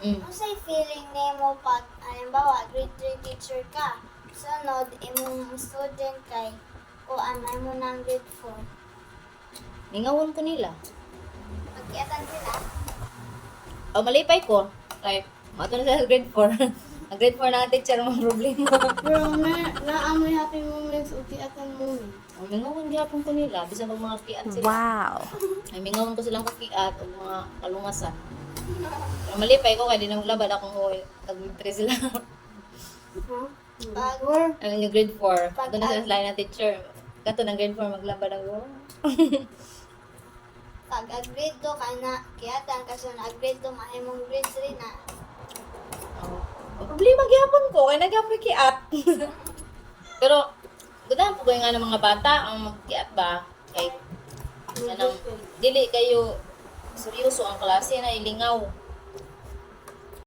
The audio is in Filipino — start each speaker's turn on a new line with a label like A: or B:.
A: Ano sa'y feeling nimo pag, halimbawa, grade 3 teacher ka, sunod, imong student kay, kuan, may mo ng grade 4.
B: Ningawon ko nila.
A: Pagkiatan sila,
B: O malipay ko. Kay, mato na sa grade 4. Ang grade 4 na ang teacher mga problema.
C: Pero naamoy happy moments o tiatan moment.
B: Ang mingawon gyapon ko nila. Bisan pag mga kiat sila.
D: Wow.
B: Ay mingawon ko silang kakiat o mga kalungasan. Pero malipay ko kaya di na maglabad akong huwi. Tag-3 sila.
A: pag,
B: Ang yung grade 4. Doon na sila sa line ng teacher. Kato ng grade 4 maglabad ako.
A: pag grade 2 ka na, kiatan ka so na grade 2, mahimong grade 3 na.
B: Oh. Problema gyapon ko kay nagapon kiat. Pero gudahan po ko nga ng mga bata ang magkiat ba kay kanang dili kayo seryoso ang klase na ilingaw.